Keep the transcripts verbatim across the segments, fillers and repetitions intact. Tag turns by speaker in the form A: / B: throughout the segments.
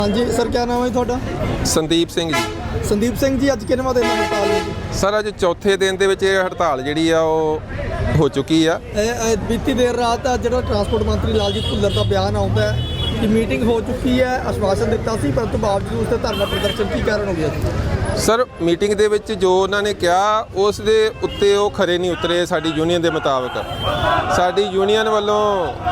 A: हाँ जी सर, क्या नाम है ਤੁਹਾਡਾ?
B: ਸੰਦੀਪ ਸਿੰਘ ਜੀ।
A: ਸੰਦੀਪ ਸਿੰਘ ਜੀ, ਅੱਜ ਕਿੰਨਵਾਂ ਦਿਨ ਹੈ ਹੜਤਾਲ ਦੀ?
B: ਸਰ ਅੱਜ ਚੌਥੇ ਦਿਨ ਦੇ ਵਿੱਚ ਇਹ ਹੜਤਾਲ ਜਿਹੜੀ ਆ ਉਹ ਹੋ ਚੁੱਕੀ ਆ।
A: ਇਹ ਇਹ ਬੀਤੀ ਦੇਰ ਰਾਤ ਆ ਜਿਹੜਾ ਟਰਾਂਸਪੋਰਟ ਮੰਤਰੀ ਲਾਲਜੀਤ ਭੁੱਲਰ ਦਾ ਬਿਆਨ ਆਉਂਦਾ ਹੈ ਕਿ ਮੀਟਿੰਗ ਹੋ ਚੁੱਕੀ ਹੈ, ਆਸ਼ਵਾਸਨ ਦਿੱਤਾ ਸੀ, ਪਰੰਤੂ ਬਾਵਜੂਦ ਉਸ ਤੇ ਧਰਨਾ ਪ੍ਰਦਰਸ਼ਨ ਕੀ ਕਾਰਨ ਹੋ ਗਿਆ ਜੀ?
B: ਸਰ ਮੀਟਿੰਗ ਦੇ ਵਿੱਚ ਜੋ ਉਹਨਾਂ ਨੇ ਕਿਹਾ ਉਸ ਦੇ ਉੱਤੇ ਉਹ ਖਰੇ ਨਹੀਂ ਉਤਰੇ। ਸਾਡੀ ਯੂਨੀਅਨ ਦੇ ਮੁਤਾਬਕ ਸਾਡੀ ਯੂਨੀਅਨ ਵੱਲੋਂ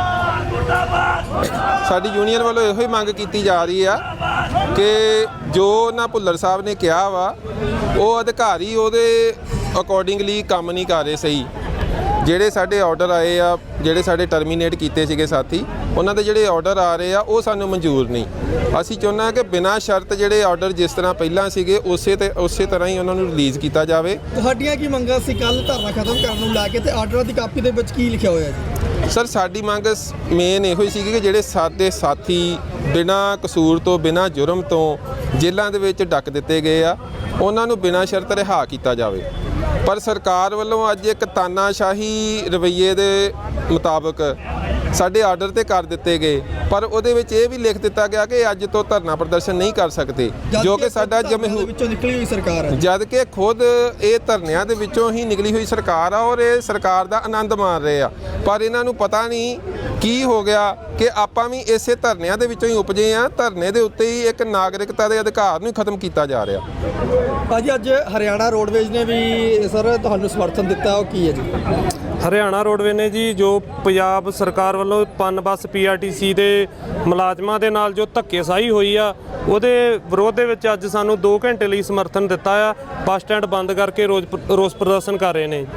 B: ਸਾਡੀ ਯੂਨੀਅਨ ਵੱਲੋਂ ਇਹੋ ਹੀ ਮੰਗ ਕੀਤੀ ਜਾ ਰਹੀ ਆ ਕਿ ਜੋ ਉਹਨਾਂ ਭੁੱਲਰ ਸਾਹਿਬ ਨੇ ਕਿਹਾ ਵਾ ਉਹ ਅਧਿਕਾਰੀ ਉਹਦੇ ਅਕੋਰਡਿੰਗਲੀ ਕੰਮ ਨਹੀਂ ਕਰ ਰਹੇ ਸਹੀ। ਜਿਹੜੇ ਸਾਡੇ ਆਰਡਰ ਆਏ ਆ, ਜਿਹੜੇ ਸਾਡੇ ਟਰਮੀਨੇਟ ਕੀਤੇ ਸੀਗੇ ਸਾਥੀ, ਉਹਨਾਂ ਦੇ ਜਿਹੜੇ ਆਰਡਰ ਆ ਰਹੇ ਆ ਉਹ ਸਾਨੂੰ ਮਨਜ਼ੂਰ ਨਹੀਂ। ਅਸੀਂ ਚਾਹੁੰਦੇ ਹਾਂ ਕਿ ਬਿਨਾਂ ਸ਼ਰਤ ਜਿਹੜੇ ਆਰਡਰ ਜਿਸ ਤਰ੍ਹਾਂ ਪਹਿਲਾਂ ਸੀਗੇ ਉਸੇ ਤੇ ਉਸੇ ਤਰ੍ਹਾਂ ਹੀ ਉਹਨਾਂ ਨੂੰ ਰਿਲੀਜ਼ ਕੀਤਾ ਜਾਵੇ।
A: ਤੁਹਾਡੀਆਂ ਕੀ ਮੰਗਾਂ ਸੀ ਕੱਲ ਧਰਨਾ ਖਤਮ ਕਰਨ ਨੂੰ ਲੈ ਕੇ, ਤੇ ਆਰਡਰਾਂ ਦੀ ਕਾਪੀ ਦੇ ਵਿੱਚ ਕੀ ਲਿਖਿਆ ਹੋਇਆ ਜੀ?
B: ਸਰ ਸਾਡੀ ਮੰਗ ਮੇਨ ਇਹੋ ਹੀ ਸੀਗੀ ਕਿ ਜਿਹੜੇ ਸਾਡੇ ਸਾਥੀ ਬਿਨਾਂ ਕਸੂਰ ਤੋਂ, ਬਿਨਾਂ ਜੁਰਮ ਤੋਂ ਜੇਲ੍ਹਾਂ ਦੇ ਵਿੱਚ ਡੱਕ ਦਿੱਤੇ ਗਏ ਆ, ਉਹਨਾਂ ਨੂੰ ਬਿਨਾਂ ਸ਼ਰਤ ਰਿਹਾ ਕੀਤਾ ਜਾਵੇ। ਪਰ ਸਰਕਾਰ ਵੱਲੋਂ ਅੱਜ ਇੱਕ ਤਾਨਾਸ਼ਾਹੀ ਰਵੱਈਏ ਦੇ ਮੁਤਾਬਕ ਸਾਡੇ ਆਰਡਰ ਤੇ ਕਰ ਦਿੱਤੇ ਗਏ, ਪਰ ਉਹਦੇ ਵਿੱਚ ਇਹ ਵੀ ਲਿਖ ਦਿੱਤਾ ਗਿਆ ਕਿ ਅੱਜ ਤੋਂ ਧਰਨਾ ਪ੍ਰਦਰਸ਼ਨ ਨਹੀਂ ਕਰ ਸਕਦੇ, ਜੋ ਕਿ ਸਾਡਾ ਜਮਹੂਰ
A: ਵਿੱਚੋਂ ਨਿਕਲੀ ਹੋਈ ਸਰਕਾਰ ਹੈ।
B: ਜਦ ਕਿ ਖੁਦ ਇਹ ਧਰਨਿਆਂ ਦੇ ਵਿੱਚੋਂ ਹੀ ਨਿਕਲੀ ਹੋਈ ਸਰਕਾਰ ਆ ਔਰ ਇਹ ਸਰਕਾਰ ਦਾ ਆਨੰਦ ਮਾਣ ਰਹੇ ਆ, ਪਰ ਇਹਨਾਂ ਨੂੰ ਪਤਾ ਨਹੀਂ ਕੀ ਹੋ ਗਿਆ ਕਿ ਆਪਾਂ ਵੀ ਇਸੇ ਧਰਨਿਆਂ ਦੇ ਵਿੱਚੋਂ ਹੀ ਉਪਜੇ ਆ। ਧਰਨੇ ਦੇ ਉੱਤੇ ਹੀ ਇੱਕ ਨਾਗਰਿਕਤਾ ਦੇ ਅਧਿਕਾਰ ਨੂੰ ਖਤਮ ਕੀਤਾ ਜਾ ਰਿਹਾ।
A: ਭਾਜੀ ਅੱਜ ਹਰਿਆਣਾ ਰੋਡਵੇਜ਼ ਨੇ ਵੀ ਸਰ ਤੁਹਾਨੂੰ ਸਮਰਥਨ ਦਿੱਤਾ, ਉਹ ਕੀ ਹੈ ਜੀ?
C: ਹਰਿਆਣਾ ਰੋਡਵੇਜ਼ ਨੇ ਜੀ ਜੋ ਪੰਜਾਬ ਸਰਕਾਰ ਵੱਲੋਂ ਪਨ ਬੱਸ ਪੀ ਆਰ ਟੀ ਸੀ ਦੇ ਮੁਲਾਜ਼ਮਾਂ ਦੇ ਨਾਲ ਜੋ ਧੱਕੇਸ਼ਾਹੀ ਹੋਈ ਆ, ਉਹਦੇ ਵਿਰੋਧ ਦੇ ਵਿੱਚ ਅੱਜ ਸਾਨੂੰ ਦੋ ਘੰਟੇ ਲਈ ਸਮਰਥਨ ਦਿੱਤਾ ਆ। ਬੱਸ ਸਟੈਂਡ ਬੰਦ ਕਰਕੇ ਰੋਜ਼ ਰੋਸ ਪ੍ਰਦਰਸ਼ਨ ਕਰ ਰਹੇ ਨੇ।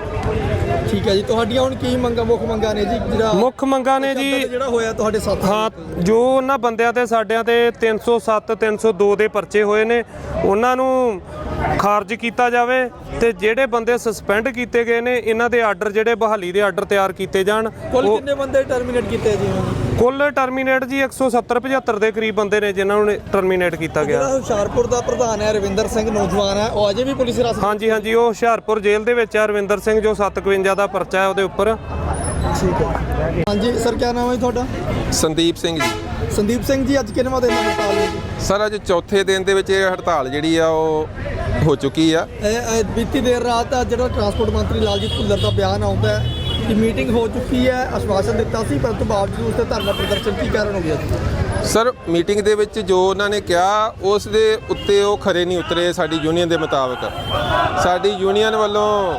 A: ਠੀਕ ਹੈ ਜੀ, ਤੁਹਾਡੀਆਂ ਹੁਣ ਕੀ ਮੰਗਾਂ, ਮੁੱਖ ਮੰਗਾਂ ਨੇ ਜੀ? ਜਿਹੜਾ
C: ਮੁੱਖ ਮੰਗਾਂ ਨੇ ਜੀ
A: ਜਿਹੜਾ ਹੋਇਆ ਤੁਹਾਡੇ ਸਾਥ
C: ਹਾਂ, ਜੋ ਉਹਨਾਂ ਬੰਦਿਆਂ ਤੇ ਸਾਡਿਆਂ ਤੇ ਤਿੰਨ ਸੌ ਸੱਤ ਤਿੰਨ ਸੌ ਦੋ ਦੇ ਪਰਚੇ ਹੋਏ ਨੇ ਉਹਨਾਂ ਨੂੰ ਖਾਰਜ ਕੀਤਾ ਜਾਵੇ, ਤੇ ਜਿਹੜੇ ਬੰਦੇ ਸਸਪੈਂਡ ਕੀਤੇ ਗਏ ਨੇ ਇਹਨਾਂ ਦੇ ਆਰਡਰ ਜਿਹੜੇ ਬਹਾਲੀ ਦੇ ਆਰਡਰ ਤਿਆਰ ਕੀਤੇ ਜਾਣ।
A: ਕੁੱਲ ਕਿੰਨੇ ਬੰਦੇ ਟਰਮੀਨੇਟ ਕੀਤੇ ਜੀ?
C: ਕੁੱਲ ਟਰਮੀਨੇਟ ਜੀ ਇੱਕ ਸੌ ਸੱਤਰ ਪਝੱਤਰ ਦੇ ਕਰੀਬ ਬੰਦੇ ਨੇ ਜਿਨ੍ਹਾਂ ਨੂੰ ਟਰਮੀਨੇਟ ਕੀਤਾ ਗਿਆ।
A: ਜਿਹੜਾ ਹੁਸ਼ਿਆਰਪੁਰ ਦਾ ਪ੍ਰਧਾਨ ਹੈ ਰਵਿੰਦਰ ਸਿੰਘ, ਨੌਜਵਾਨ ਹੈ, ਉਹ ਅਜੇ ਵੀ ਪੁਲਿਸ ਹਿਰਾਸਤ?
C: ਹਾਂਜੀ ਹਾਂਜੀ, ਉਹ ਹੁਸ਼ਿਆਰਪੁਰ ਜੇਲ੍ਹ ਦੇ ਵਿੱਚ ਹੈ। ਰਵਿੰਦਰ ਸਿੰਘ ਜੋ ਸੱਤ ਸੌ ਇਕਵੰਜਾ ਦਾ ਪਰਚਾ ਹੈ ਉਹਦੇ ਉੱਪਰ।
A: ਠੀਕ ਹੈ। ਹਾਂਜੀ ਸਰ, ਕੀ ਨਾਮ ਹੈ ਤੁਹਾਡਾ?
B: ਸੰਦੀਪ ਸਿੰਘ ਜੀ।
A: ਸੰਦੀਪ ਸਿੰਘ ਜੀ, ਅੱਜ ਕਿੰਨਵਾਂ ਦਿਨ ਹੈ ਹੜਤਾਲ ਦੀ?
B: ਸਰ ਅੱਜ ਚੌਥੇ ਦਿਨ ਦੇ ਵਿੱਚ ਇਹ ਹੜਤਾਲ ਜਿਹੜੀ ਆ ਉਹ ਹੋ ਚੁੱਕੀ ਆ।
A: ਇਹ ਇਹ ਬੀਤੀ ਦੇਰ ਰਾਤ ਆ ਜਿਹੜਾ ਟਰਾਂਸਪੋਰਟ ਮੰਤਰੀ ਲਾਲਜੀਤ ਭੁੱਲਰ ਦਾ ਬਿਆਨ ਆਉਂਦਾ ਹੈ ਕਿ ਮੀਟਿੰਗ ਹੋ ਚੁੱਕੀ ਹੈ, ਆਸ਼ਵਾਸਨ ਦਿੱਤਾ ਸੀ, ਪਰੰਤੂ ਬਾਵਜੂਦ ਉਸ ਤੇ ਧਰਨਾ ਪ੍ਰਦਰਸ਼ਨ ਕੀ ਕਾਰਨ ਹੋ ਗਿਆ ਜੀ?
B: ਸਰ ਮੀਟਿੰਗ ਦੇ ਵਿੱਚ ਜੋ ਉਹਨਾਂ ਨੇ ਕਿਹਾ ਉਸ ਦੇ ਉੱਤੇ ਉਹ ਖਰੇ ਨਹੀਂ ਉਤਰੇ। ਸਾਡੀ ਯੂਨੀਅਨ ਦੇ ਮੁਤਾਬਕ ਸਾਡੀ ਯੂਨੀਅਨ ਵੱਲੋਂ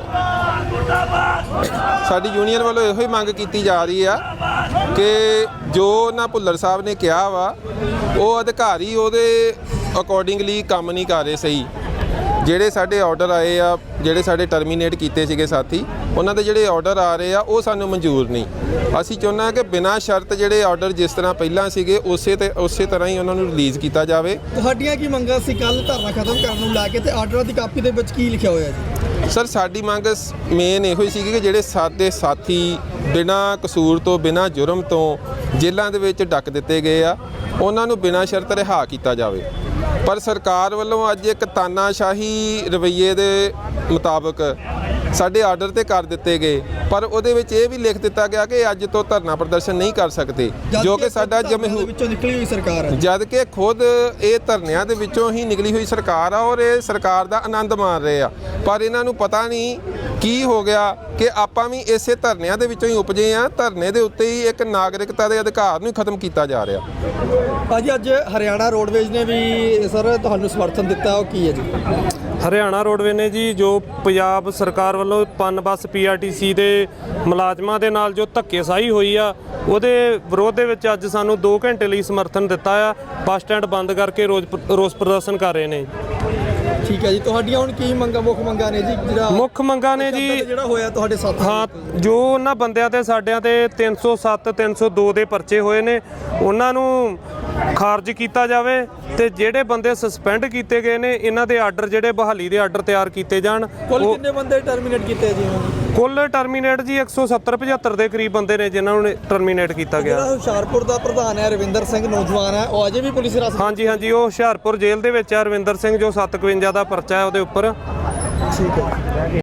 B: ਸਾਡੀ ਯੂਨੀਅਨ ਵੱਲੋਂ ਇਹੋ ਹੀ ਮੰਗ ਕੀਤੀ ਜਾ ਰਹੀ ਆ ਕਿ ਜੋ ਉਹਨਾਂ ਭੁੱਲਰ ਸਾਹਿਬ ਨੇ ਕਿਹਾ ਵਾ ਉਹ ਅਧਿਕਾਰੀ ਉਹਦੇ ਅਕੋਰਡਿੰਗਲੀ ਕੰਮ ਨਹੀਂ ਕਰ ਰਹੇ ਸਹੀ। ਜਿਹੜੇ ਸਾਡੇ ਆਰਡਰ ਆਏ ਆ, ਜਿਹੜੇ ਸਾਡੇ ਟਰਮੀਨੇਟ ਕੀਤੇ ਸੀਗੇ ਸਾਥੀ, ਉਹਨਾਂ ਦੇ ਜਿਹੜੇ ਆਰਡਰ ਆ ਰਹੇ ਆ ਉਹ ਸਾਨੂੰ ਮਨਜ਼ੂਰ ਨਹੀਂ। ਅਸੀਂ ਚਾਹੁੰਦੇ ਹਾਂ ਕਿ ਬਿਨਾਂ ਸ਼ਰਤ ਜਿਹੜੇ ਆਰਡਰ ਜਿਸ ਤਰ੍ਹਾਂ ਪਹਿਲਾਂ ਸੀਗੇ ਉਸੇ ਤੇ ਉਸੇ ਤਰ੍ਹਾਂ ਹੀ ਉਹਨਾਂ ਨੂੰ ਰਿਲੀਜ਼ ਕੀਤਾ ਜਾਵੇ।
A: ਤੁਹਾਡੀਆਂ ਕੀ ਮੰਗਾਂ ਸੀ ਕੱਲ ਧਰਨਾ ਖਤਮ ਕਰਨ ਨੂੰ ਲੈ ਕੇ, ਤੇ ਆਰਡਰਾਂ ਦੀ ਕਾਪੀ ਦੇ ਵਿੱਚ ਕੀ ਲਿਖਿਆ ਹੋਇਆ ਜੀ?
B: ਸਰ ਸਾਡੀ ਮੰਗ ਮੇਨ ਇਹੋ ਹੀ ਸੀਗੀ ਕਿ ਜਿਹੜੇ ਸਾਡੇ ਸਾਥੀ ਬਿਨਾਂ ਕਸੂਰ ਤੋਂ, ਬਿਨਾਂ ਜੁਰਮ ਤੋਂ ਜੇਲ੍ਹਾਂ ਦੇ ਵਿੱਚ ਡੱਕ ਦਿੱਤੇ ਗਏ ਆ, ਉਹਨਾਂ ਨੂੰ ਬਿਨਾਂ ਸ਼ਰਤ ਰਿਹਾ ਕੀਤਾ ਜਾਵੇ। ਪਰ ਸਰਕਾਰ ਵੱਲੋਂ ਅੱਜ ਇੱਕ ਤਾਨਾਸ਼ਾਹੀ ਰਵੱਈਏ ਦੇ ਮੁਤਾਬਕ ਸਾਡੇ ਆਰਡਰ ਤੇ ਕਰ ਦਿੱਤੇ ਗਏ, ਪਰ ਉਹਦੇ ਵਿੱਚ ਇਹ ਵੀ ਲਿਖ ਦਿੱਤਾ ਗਿਆ ਕਿ ਅੱਜ ਤੋਂ ਧਰਨਾ ਪ੍ਰਦਰਸ਼ਨ ਨਹੀਂ ਕਰ ਸਕਦੇ, ਜੋ ਕਿ ਸਾਡਾ ਜਮਹੂਰ
A: ਵਿੱਚੋਂ ਨਿਕਲੀ ਹੋਈ ਸਰਕਾਰ ਹੈ।
B: ਜਦ ਕਿ ਖੁਦ ਇਹ ਧਰਨਿਆਂ ਦੇ ਵਿੱਚੋਂ ਹੀ ਨਿਕਲੀ ਹੋਈ ਸਰਕਾਰ ਆ ਔਰ ਇਹ ਸਰਕਾਰ ਦਾ ਆਨੰਦ ਮਾਣ ਰਹੇ ਆ, ਪਰ ਇਹਨਾਂ ਨੂੰ ਪਤਾ ਨਹੀਂ ਕੀ ਹੋ ਗਿਆ ਕਿ ਆਪਾਂ ਵੀ ਇਸੇ ਧਰਨਿਆਂ ਦੇ ਵਿੱਚੋਂ ਹੀ ਉਪਜੇ ਆ। ਧਰਨੇ ਦੇ ਉੱਤੇ ਹੀ ਇੱਕ ਨਾਗਰਿਕਤਾ ਦੇ ਅਧਿਕਾਰ ਨੂੰ ਖਤਮ ਕੀਤਾ ਜਾ ਰਿਹਾ।
A: ਭਾਜੀ ਅੱਜ ਹਰਿਆਣਾ ਰੋਡਵੇਜ਼ ਨੇ ਵੀ ਸਰ ਤੁਹਾਨੂੰ ਸਮਰਥਨ ਦਿੱਤਾ, ਉਹ ਕੀ ਹੈ ਜੀ?
C: ਹਰਿਆਣਾ ਰੋਡਵੇਜ਼ ਨੇ ਜੀ ਜੋ ਪੰਜਾਬ ਸਰਕਾਰ ਵੱਲੋਂ ਪਨ ਬੱਸ ਪੀ ਆਰ ਟੀ ਸੀ ਦੇ ਮੁਲਾਜ਼ਮਾਂ ਦੇ ਨਾਲ ਜੋ ਧੱਕੇਸ਼ਾਹੀ ਹੋਈ ਆ, ਉਹਦੇ ਵਿਰੋਧ ਦੇ ਵਿੱਚ ਅੱਜ ਸਾਨੂੰ ਦੋ ਘੰਟੇ ਲਈ ਸਮਰਥਨ ਦਿੱਤਾ ਆ। ਬੱਸ ਸਟੈਂਡ ਬੰਦ ਕਰਕੇ ਰੋਜ਼ ਰੋਸ ਪ੍ਰਦਰਸ਼ਨ ਕਰ ਰਹੇ ਨੇ।
A: ਠੀਕ ਹੈ ਜੀ, ਤੁਹਾਡੀਆਂ ਹੁਣ ਕੀ ਮੰਗਾਂ, ਮੁੱਖ ਮੰਗਾਂ ਨੇ ਜੀ? ਜਿਹੜਾ
C: ਮੁੱਖ ਮੰਗਾਂ ਨੇ ਜੀ
A: ਜਿਹੜਾ ਹੋਇਆ ਤੁਹਾਡੇ ਸਾਥ
C: ਹਾਂ, ਜੋ ਉਹਨਾਂ ਬੰਦਿਆਂ ਤੇ ਸਾਡਿਆਂ ਤੇ ਤਿੰਨ ਸੌ ਸੱਤ ਤਿੰਨ ਸੌ ਦੋ ਦੇ ਪਰਚੇ ਹੋਏ ਨੇ ਉਹਨਾਂ ਨੂੰ ਖਾਰਜ ਕੀਤਾ ਜਾਵੇ, ਤੇ ਜਿਹੜੇ ਬੰਦੇ ਸਸਪੈਂਡ ਕੀਤੇ ਗਏ ਨੇ ਇਹਨਾਂ ਦੇ ਆਰਡਰ ਜਿਹੜੇ ਬਹਾਲੀ ਦੇ ਆਰਡਰ ਤਿਆਰ ਕੀਤੇ ਜਾਣ।
A: ਕੁੱਲ ਕਿੰਨੇ ਬੰਦੇ ਟਰਮੀਨੇਟ ਕੀਤੇ ਜੀ?
C: ਕੁੱਲ ਟਰਮੀਨੇਟ ਜੀ ਇੱਕ ਸੌ ਸੱਤਰ ਪਝੱਤਰ ਦੇ ਕਰੀਬ ਬੰਦੇ ਨੇ ਜਿਨ੍ਹਾਂ ਨੂੰ ਟਰਮੀਨੇਟ ਕੀਤਾ ਗਿਆ।
A: ਜਿਹੜਾ ਹੁਸ਼ਿਆਰਪੁਰ ਦਾ ਪ੍ਰਧਾਨ ਹੈ ਰਵਿੰਦਰ ਸਿੰਘ, ਨੌਜਵਾਨ ਹੈ, ਉਹ ਅਜੇ ਵੀ ਪੁਲਿਸ ਹਿਰਾਸਤ?
C: ਹਾਂਜੀ ਹਾਂਜੀ, ਉਹ ਹੁਸ਼ਿਆਰਪੁਰ ਜੇਲ੍ਹ ਦੇ ਵਿੱਚ ਹੈ। ਰਵਿੰਦਰ ਸਿੰਘ ਜੋ ਸੱਤ ਸੌ ਇਕਵੰਜਾ ਦਾ ਪਰਚਾ ਹੈ ਉਹਦੇ ਉੱਪਰ।
A: ਠੀਕ ਹੈ।